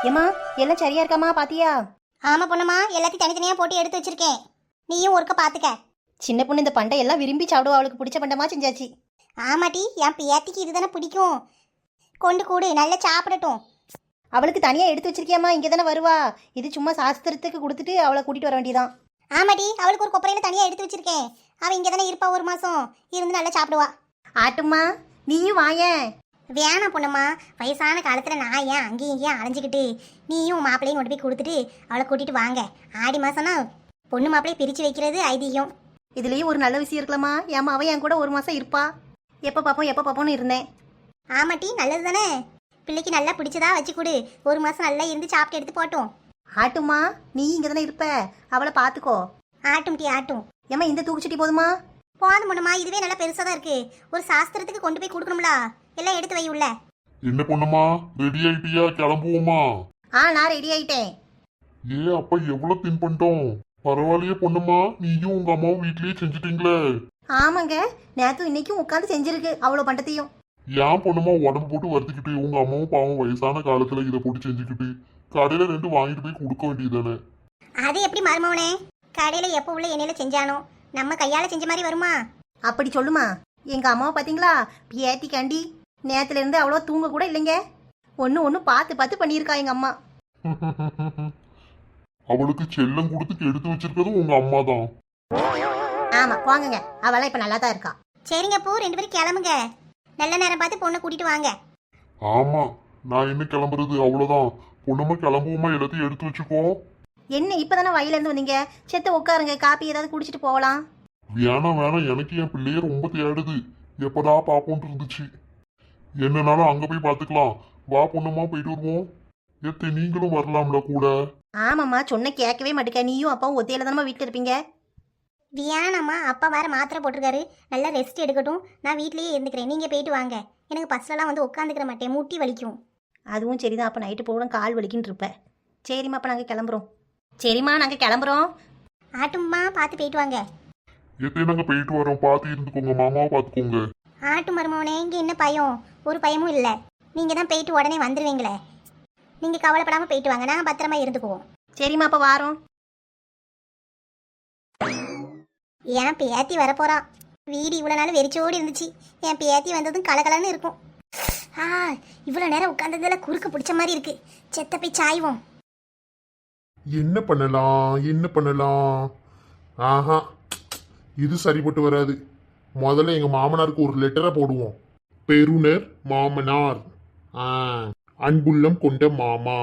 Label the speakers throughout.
Speaker 1: ஏமா எல்லாம் சரியா இருக்காமா பாத்தியா?
Speaker 2: ஆமா பொண்ணுமா, எல்லாத்தையும் தனித்தனியா போட்டு எடுத்து வச்சிருக்கேன். நீயும் ஒருக்க பாத்துக்க.
Speaker 1: சின்ன பொண்ணு இந்த பண்டை எல்லாம் விரும்பி சாப்பிடுவா, அவளுக்கு பிடிச்ச பண்டமா செஞ்சாச்சு.
Speaker 2: ஆமாட்டி, என் பேத்திக்கு இதுதானே பிடிக்கும். கொண்டு கூடு, நல்லா சாப்பிடட்டும்.
Speaker 1: அவளுக்கு தனியா எடுத்து வச்சிருக்கியாமா? இங்கே தானே வருவா. இது சும்மா சாஸ்திரத்துக்கு கொடுத்துட்டு அவளை கூட்டிட்டு வர வேண்டியதான்.
Speaker 2: ஆமாட்டி, அவளுக்கு ஒரு கொப்பரையில தனியா எடுத்து வச்சிருக்கேன். அவ இங்கே தானே இருப்பா, ஒரு மாசம் இருந்து நல்லா சாப்பிடுவா.
Speaker 1: ஆட்டுமா, நீயும் வாயேன்.
Speaker 2: வேணாம் பொண்ணுமா, வயசான காலத்துல நான் ஏன் அங்கேயும் இங்கேயும் அலைஞ்சிக்கிட்டு, நீயும் மாப்பிள்ளையும் கொண்டு போய் கொடுத்துட்டு அவளை கூட்டிட்டு வாங்க. ஆடி மாசம்னா பொண்ணு மாப்பிள்ளையை பிரிச்சு வைக்கிறது ஐதீகம்.
Speaker 1: இதுலயும் ஒரு நல்ல விஷயம் இருக்கலாமா? ஏமா அவ என் கூட ஒரு மாசம் இருப்பா. எப்ப பாப்போம்னு இருந்தேன்.
Speaker 2: ஆமாட்டி, நல்லது தானே. பிள்ளைக்கு நல்லா பிடிச்சதா வச்சு கொடு. ஒரு மாசம் நல்லா இருந்து சாப்பிட்டு எடுத்து போட்டோம்.
Speaker 1: ஆட்டுமா, நீ இங்க தானே இருப்ப, அவளை பாத்துக்கோ.
Speaker 2: ஆட்டும் டி ஆட்டும்.
Speaker 1: ஏமா இந்த தூக்குச்சட்டி போதுமா?
Speaker 2: போதும் பொண்ணுமா, இதுவே நல்லா பெருசா தான் இருக்கு. ஒரு சாஸ்திரத்துக்கு கொண்டு போய் கொடுக்கணும்ல, எல்லாம் எடுத்து வை உள்ள.
Speaker 3: என்ன பொண்ணுமா, ரெடி ஆயிட்டியா? கிளம்புவோமா?
Speaker 1: நான் ரெடி ஆயிட்டேன்.
Speaker 3: அப்ப எவ்வளவு தின் பண்ணிட்டோம். பரவாயில்லையே பொண்ணுமா, நீயும் உங்க அம்மாவும் வீட்லயே செஞ்சுட்டீங்களே.
Speaker 1: ஆமாங்க, நேத்து இன்னைக்கும் உட்காந்து செஞ்சிருக்கு அவ்வளவு பண்டத்தையும்.
Speaker 3: ஏன் பொண்ணுமா உடம்பு போட்டு வருத்திக்கிட்டு, உங்க அம்மாவும் பாவம் வயசான காலத்துல இதை போட்டு செஞ்சுக்கிட்டு கடையில 2 வாங்கிட்டு போய் கொடுக்க வேண்டியதானே.
Speaker 2: அது எப்படி மருமவனே, கடையில எப்ப உள்ள எண்ணெயில செஞ்சானோ நம்ம கையால செஞ்ச மாதிரி வருமா?
Speaker 1: அப்படி சொல்லுமா. எங்க அம்மாவை பாத்தீங்களா, பியாத்தி கண்டி நேத்துல இருந்து அவ்வளோ தூங்க கூட இல்லைங்க. ஒன்னு பார்த்து பண்ணியிருக்கா எங்க அம்மா.
Speaker 3: அவளுக்கு செல்லம் கொடுத்து எடுத்து வச்சிருக்கிறதும் உங்க அம்மா தான்.
Speaker 1: ஆமா போங்கங்க, அவளா இப்ப நல்லா தான் இருக்கா.
Speaker 2: சரிங்க பூ, 2 பேரும் கிளம்புங்க. நல்ல நேரம் பார்த்து பொண்ணை கூட்டிட்டு வாங்க.
Speaker 3: ஆமா, நான் என்ன கிளம்புறது, அவ்வளவுதான். பொண்ணுமா கிளம்புவோமா, எல்லாத்தையும் எடுத்து வச்சுக்கோ.
Speaker 1: என்ன இப்பதானே வயல இருந்து வந்தீங்க, செத்த உட்காருங்க, காப்பி ஏதாவது குடிச்சிட்டு போகலாம்.
Speaker 3: வேணாம், எனக்கு என் பிள்ளைய ரொம்ப தேடுது. எப்படா பாப்போன்ட்டு இருந்துச்சு. என்னனாலும் அங்க போய் பாத்துக்கலாம். வா பொண்ணுமா, போயிட்டு வருவோம். நீங்களும் வரலாம்ல கூட.
Speaker 1: ஆமாம்மா, சொன்ன கேட்கவே மாட்டேங்க. நீயும் அப்பாவும் ஒத்தையில தானே வீட்டில் இருப்பீங்க.
Speaker 2: வியானம்மா, அப்பா வேற மாத்திரை போட்டிருக்காரு, நல்லா ரெஸ்ட் எடுக்கட்டும். நான் வீட்லயே இருந்துக்கிறேன், நீங்க போயிட்டு வாங்க. எனக்கு பஸ்லலாம் வந்து உட்காந்துக்கிற மாட்டேன், முட்டி வலிக்கும்.
Speaker 1: அதுவும் சரிதான், அப்போ நைட்டு போகணும், கால் வலிக்குன்னு இருப்பேன். சரிம்மா, அப்போ நாங்கள் கிளம்புறோம். சரிம்மா, நாங்கள் கிளம்புறோம்.
Speaker 2: ஆட்டும்மா, பார்த்து போயிட்டு வாங்க.
Speaker 3: நாங்க போயிட்டு வரோம், பார்த்து இருந்துக்கோங்க. மாமாவை பார்த்துக்கோங்க.
Speaker 2: ஆட்டு மருமவனே, இங்கே என்ன பயம்? ஒரு பயமும் இல்லை. நீங்கள் தான் போயிட்டு உடனே வந்துடுவீங்களே. நீங்கள் கவலைப்படாமல் போயிட்டு வாங்க, நாங்கள் பத்திரமா இருந்துக்குவோம்.
Speaker 1: சரிம்மா, அப்போ வாரோம்.
Speaker 2: என் பேத்தி வரப்போறான். வீடு இவ்வளோ நாள் வெறிச்சோடி இருந்துச்சு, என் பேத்தி வந்ததும் கலகலன்னு இருக்கும். இவ்வளோ நேரம் உட்காந்ததுல குறுக்க பிடிச்ச மாதிரி இருக்கு. செத்த போய் சாய்வோம்.
Speaker 3: என்ன பண்ணலாம்? ஆஹா, இது சரிப்பட்டு வராது. முதல்ல எங்க மாமனாருக்கு ஒரு லெட்டரை போடுவோம். பெருனர் மாமனார், அன்புள்ளம் கொண்ட மாமா,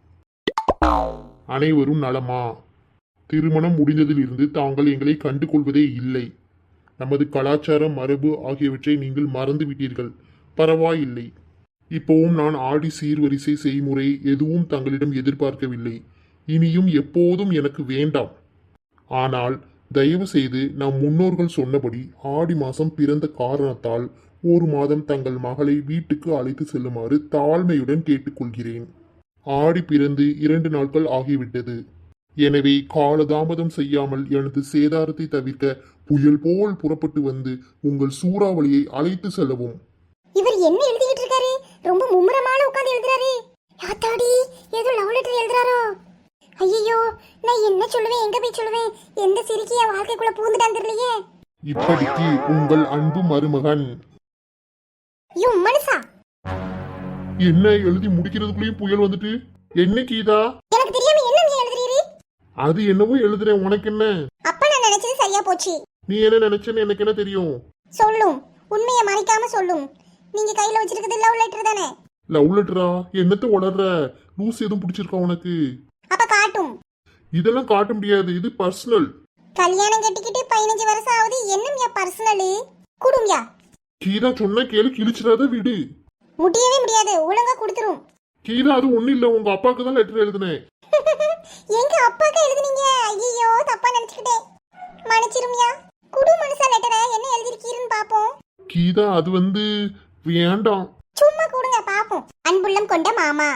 Speaker 3: அனைவரும் நலமா? திருமணம் முடிந்ததிலிருந்து தாங்கள் எங்களை கண்டு கொள்வதே இல்லை. நமது கலாச்சாரம், மரபு ஆகியவற்றை நீங்கள் மறந்து விட்டீர்கள். பரவாயில்லை. இப்போவும் நான் ஆடி சீர்வரிசை செய்முறை எதுவும் தங்களிடம் எதிர்பார்க்கவில்லை. இனியும் எப்போதும் எனக்கு வேண்டாம். ஆனால் தயவு செய்து நம் முன்னோர்கள் சொன்னபடி ஆடி மாதம் பிறந்த காரணத்தால் 1 மாதம் தங்கள் மகளை வீட்டுக்கு அழைத்து செல்லுமாறு தாழ்மையுடன் கேட்டுக்கொள்கிறேன். ஆடி பிறந்து 2 நாட்கள் ஆகிவிட்டது. எனவே காலதாமதம் செய்யாமல் எனது சேதாரத்தை தவிர்க்க புயல் போல் புறப்பட்டு வந்து உங்கள் சூறாவளியை அழைத்து செல்லவும்.
Speaker 2: இவர் என்ன எழுதிட்டு இருக்காரு? ரொம்ப மும்முரமான உட்கார்ந்து எழுதுறாரு. யாத்தாடி, ஏதோ லவ் லெட்டர் எழுதுறாரோ? ஐயோ, நான் என்ன சொல்லுவேன், எங்க போய் சொல்லுவேன்? எந்த சிரிக்கிய வாழ்க்கைக்குள்ள பூந்துட்டான் தெரியலையே.
Speaker 3: இப்படிக்கு உங்கள் அன்பு மருமகன்.
Speaker 2: யோ மனுஷா,
Speaker 3: என்ன எழுதி முடிக்கிறதுக்குள்ளேயும் புயல் வந்துட்டு? என்ன கீதா?
Speaker 2: எனக்கு தெரியாம என்ன நீ எழுதுறீரு?
Speaker 3: அது என்னவோ எழுதுறேன், உனக்கு என்ன?
Speaker 2: அப்ப நான் நினைச்சது சரியா போச்சு.
Speaker 3: நீ என்ன நினைச்சேன்னு எனக்கு என்ன தெரியும்?
Speaker 2: சொல்லும், உண்மையை மறைக்காம சொல்லும். நீங்க கையில வச்சிருக்கிறது லவ் லெட்டர் தானே?
Speaker 3: லவ் லெட்டரா? என்னத்த உளர்ற? லூஸ் எதுவும் பிடிச்சிருக்கா உனக்கு?
Speaker 2: அப்ப காட்டும்.
Speaker 3: இதெல்லாம் காட்ட முடியாது, இது பர்சனல்.
Speaker 2: கல்யாணம் கட்டிக்கிட்டு 15 வருஷம் ஆகுது, என்னம்யா பர்சனல்? குடும்யா.
Speaker 3: கீதா சொன்ன கேளு, கிழிச்சிடாத விடு.
Speaker 2: முடியவே முடியாது, ஒழுங்கா கொடுத்துரும்.
Speaker 3: கீதா, அது ஒண்ணு இல்ல, உங்க அப்பாவுக்கு தான் லெட்டர் எழுதுனேன்.
Speaker 2: எங்க அப்பாக்கு எழுதுனீங்க? ஐயோ, தப்பா நினைச்சுக்கிட்டேன், மன்னிச்சிரும்யா. குடு மனுஷா லெட்டரை, என்ன எழுதிருக்கீருன்னு பாப்போம்.
Speaker 3: கீதா, அது வேண்டாம்.
Speaker 2: சும்மா கொடுங்க பாப்போம். அன்புள்ளம் கொண்ட மாமா.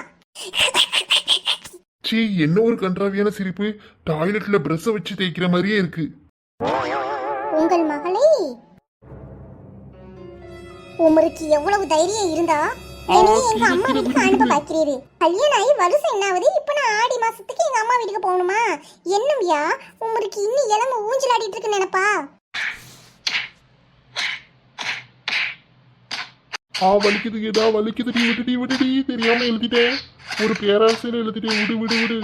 Speaker 3: சீ, என்ன ஒரு கன்றாவியான சிரிப்பு. டாய்லெட்ல பிரஷ் வச்சு தேய்க்கிற மாதிரியே இருக்கு.
Speaker 2: உங்கள் மகளை உமருக்கு எவ்வளவு தைரியம் இருந்தா என்னைய எங்க அம்மா வீட்டுக்கு அனுப்ப பாக்கிறீரு. கல்யாணம் ஆகி வருஷம் என்ன ஆகுது? இப்ப நான் ஆடி மாசத்துக்கு எங்க அம்மா வீட்டுக்கு போகணுமா? என்னவியா உங்களுக்கு இன்னும் இளம ஊஞ்சல் ஆடிட்டு இருக்கு நினைப்பா?
Speaker 3: வலிக்குது, ஏதா வலிக்குது, விட்டுடி தெரியாம எழுதிட்டேன். ஒரு பேராசையில எழுதிட்டேன். விடு.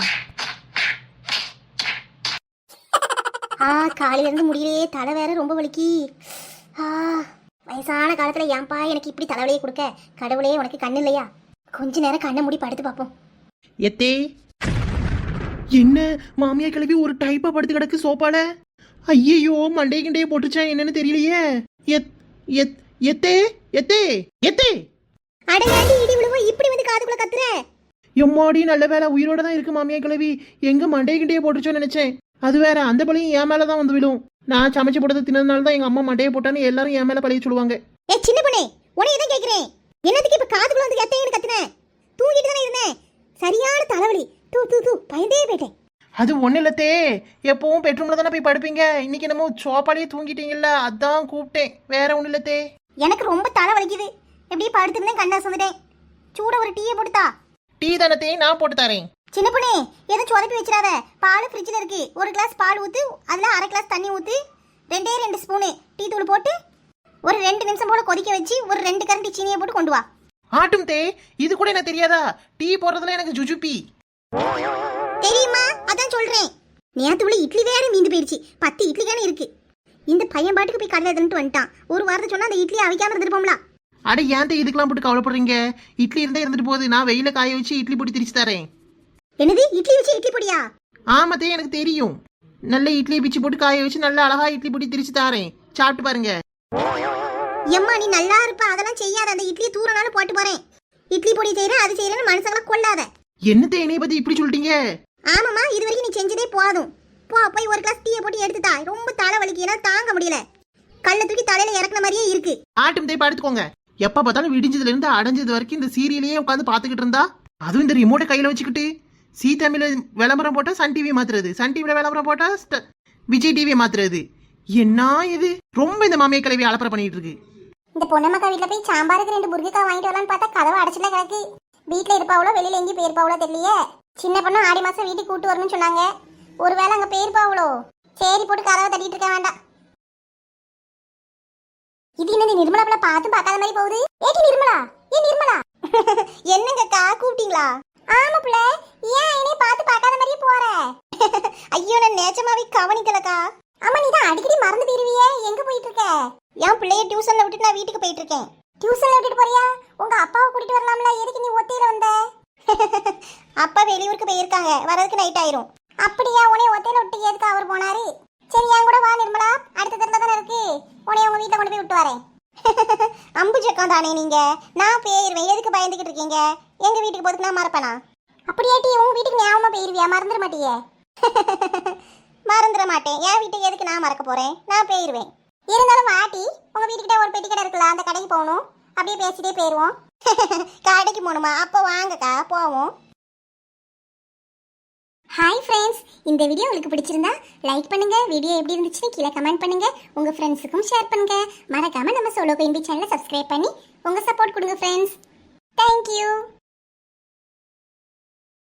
Speaker 2: காலையில இருந்து முடியலையே, தலை வேற ரொம்ப வலிக்கி. வயசான காலத்துல ஏன்பா எனக்கு இப்படி தலைவலியை கொடுக்க? கடவுளே உனக்கு கண்ணு இல்லையா? கொஞ்ச நேரம் கண்ணை மூடி படுத்து பார்ப்போம்.
Speaker 4: எத்தே என்ன மாமியா கிளவி ஒரு டைப்பா படுத்து கிடக்கு சோப்பால. ஐயையோ மண்டே கிண்டையே போட்டுச்சேன், என்னன்னு தெரியலையே. எத் எத் எத்தே எத்தே எத்தே
Speaker 2: அடையாண்டி இடி விழுவோ இப்படி வந்து காதுக்குள்ள கத்துற?
Speaker 4: எம்மாடி நல்ல வேலை உயிரோட தான் இருக்கு மாமியா கிளவி. எங்க மண்டே கிண்டையே போட்டுச்சோன்னு நினைச்சேன். அது வேற, அந்த பழியும் என் மேலதான் வந்து விடும். நான் சமைச்சு போட்டது தின்னதுனால தான் எங்க அம்மா மண்டையை போட்டான்னு எல்லாரும் என் மேல பழிய சொல்லுவாங்க.
Speaker 2: ஏ சின்ன பொண்ணே, உன்னை எதை கேக்குறேன்? என்னத்துக்கு இப்ப காதுக்குள்ள வந்து எத்தைன்னு கத்துன? தூங்கிட்டு தானே இருந்தேன். சரியான தலைவலி. தூ பயந்தே போயிட்டேன்.
Speaker 4: அது ஒண்ணு இல்லத்தே, எப்பவும் பெட்ரூம்ல தானே போய் படுப்பீங்க. இன்னைக்கு என்னமோ சோப்பாலேயே தூங்கிட்டீங்கல்ல, அதான் கூப்பிட்டேன். வேற ஒண்ணு இல்லத்தே.
Speaker 2: எனக்கு ரொம்ப தலை வலிக்குது. எப்படியே படுத்துருந்தேன், கண்ணா சொந்துட்டேன். சூட ஒரு டீயை போட்டுத்தா.
Speaker 4: டீ தானத்தே, நான் போட்டு தரேன்.
Speaker 2: சின்ன பொண்ணே, எதுவும் சொதப்பி வச்சிடாத. பால் ஃப்ரிட்ஜில் இருக்கு. ஒரு கிளாஸ் பால் ஊத்து, அதில் அரை கிளாஸ் தண்ணி ஊத்து, 2 ஸ்பூனு டீ தூள் போட்டு ஒரு 2 நிமிஷம் போல கொதிக்க வச்சு ஒரு 2 கரண்டி சீனியை போட்டு கொண்டு வா.
Speaker 4: ஆட்டும் தே, இது கூட எனக்கு தெரியாதா? டீ போடுறதுல எனக்கு ஜுஜுப்பி
Speaker 2: தெரியுமா? அதான் சொல்றேன். நேத்து உள்ள இட்லி வேற மீந்து போயிடுச்சு. 10 இட்லி தானே இருக்கு. இந்த பையன் பாட்டுக்கு போய் கடையில் எடுத்துட்டு வந்துட்டான். ஒரு வாரத்தை சொன்னா அந்த இட்லி அவிக்காம இருந்துருப்போம்ல.
Speaker 4: அட ஏன் இதுக்கெல்லாம் போட்டு கவலைப்படுறீங்க? இட்லி இருந்தா இருந்துட்டு போகுது. நான் வெயில காய வச்சு இட்லி பொடி திரிச்சு தரேன்.
Speaker 2: என்னது இட்லி வச்சு இட்லி பொடியா?
Speaker 4: ஆமாத்தே, எனக்கு தெரியும். நல்ல இட்லியை பிச்சு போட்டு காய வச்சு நல்ல அழகா இட்லி பொடி திரிச்சு தரேன். சாப்பிட்டு பாருங்க.
Speaker 2: எம்மா நீ நல்லா இருப்ப, அதெல்லாம் செய்யாத. அந்த இட்லியை தூரனாலும் போட்டு போறேன். இட்லி பொடி செய்யறேன், அது செய்யறேன்னு மனுஷங்களை கொள்ளாத.
Speaker 4: என்னத்தே என்னைய பத்தி இப்படி சொல்லிட்டீங்க?
Speaker 2: ஆமாமா, இது வரைக்கும் நீ செஞ்சதே போதும். போய் ஒரு கிளாஸ் டீயை போட்டு எடுத்துட்டா. ரொம்ப தலை வலிக்கு, என்னால தாங்க முடியல. கல்ல தூக்கி தலையில இறக்குன மாதிரியே இருக்கு.
Speaker 4: ஆட்டும் தே, படுத்துக்கோங்க. எப்ப பார்த்தாலும் விடிஞ்சதுல இருந்து அடைஞ்சது வரைக்கும் இந்த சீரியலையே உட்காந்து பாத்துக்கிட்டு இருந்தா, அதுவும் இந்த ரிமோட்டை கையில வச்சுக்கிட்டு சி தமிழ்ல விளம்பரம் போட்டா சன் டிவி மாத்துறது, சன் டிவில விளம்பரம் போட்டா விஜய் டிவியை மாத்துறது. என்ன இது? ரொம்ப இந்த மாமியா கிளவி அலப்பறை பண்ணிட்டு இருக்கு.
Speaker 2: இந்த பொன்னமக்கா வீட்டுல போய் சாம்பாருக்கு 2 புர்கிக்கா வாங்கிட்டு வரலான்னு பார்த்தா கதவை அடைச்சுல கிடக்கு. வீட்டுல இருப்பாவளோ வெளியில எங்கேயும் போயிருப்பாவளோ தெரியலையே. சின்ன பொண்ணு ஆடி மாசம் வீட்டுக்கு கூட்டு வரணும்னு சொன்னாங்க. ஒருவேளை அங்க போயிருப்பாவளோ. சரி போட்டு கதவை தட்டிட்டு இருக்க வேண்டாம். இது என்ன நிர்மலா பிள்ளை பார்த்தும் பார்க்காத மாதிரி போகுது? ஏடி நிர்மலா, ஏ நிர்மலா. என்னங்கக்கா கூப்பிட்டீங்களா? ஆமா பிள்ளை, ஏன் என்னைய பார்த்து பார்க்காத மாதிரியே போற? ஐயோ நான் நேச்சமாவே கவனிக்கலக்கா. ஆமா நீ தான் அடிக்கடி மறந்து போயிருவியே, எங்க போயிட்டு இருக்க? என் பிள்ளைய டியூஷன்ல விட்டுட்டு நான் வீட்டுக்கு போயிட்டு இருக்கேன். டியூஷன்ல விட்டுட்டு போறியா? உங்க அப்பாவை கூட்டிட்டு வரலாம்ல, எதுக்கு நீ ஒத்தையில வந்த? அப்பா வெளியூருக்கு போயிருக்காங்க, வரதுக்கு நைட் ஆயிரும். அப்படியா? உன்னைய ஒத்தையில விட்டு எதுக்கு அவர் போனாரு? சரி என் கூட வா நிர்மலா, அடுத்த தெருல தானே இருக்கு. உன்னைய உங்க வீட்டுல கொண்டு போய் விட்டு வரேன். அம்புஜக்கம் தானே நீங்க? நான் போயிருவேன், எதுக்கு பயந்துகிட்டு இருக்கீங்க? எங்க வீட்டுக்கு போதுக்கு நான் மறப்பேனா? அப்படியாட்டி உங்க வீட்டுக்கு ஞாபகமா போயிருவியா? மறந்துட மாட்டியே? மறந்துட மாட்டேன். என் வீட்டுக்கு எதுக்கு நான் மறக்க போறேன்? நான் போயிருவேன். இருந்தாலும் வாட்டி, உங்க வீட்டுக்கிட்ட ஒரு பெட்டி கடை இருக்குல்ல, அந்த கடைக்கு போகணும். அப்படியே பேசிட்டே போயிருவோம். கடைக்கு போகணுமா? அப்போ வாங்கக்கா போவோம். ஹாய் ஃப்ரெண்ட்ஸ், இந்த வீடியோ உங்களுக்கு பிடிச்சிருந்தா லைக் பண்ணுங்க. வீடியோ எப்படி இருந்துச்சுன்னு கீழே கமெண்ட் பண்ணுங்க. உங்க ஃப்ரெண்ட்ஸுக்கும் ஷேர் பண்ணுங்க. மறக்காம நம்ம சோலோ குயின்பி சேனலை சப்ஸ்கிரைப் பண்ணி உங்க சப்போர்ட் கொடுங்க ஃப்ரெண்ட்ஸ். தேங்க்யூ.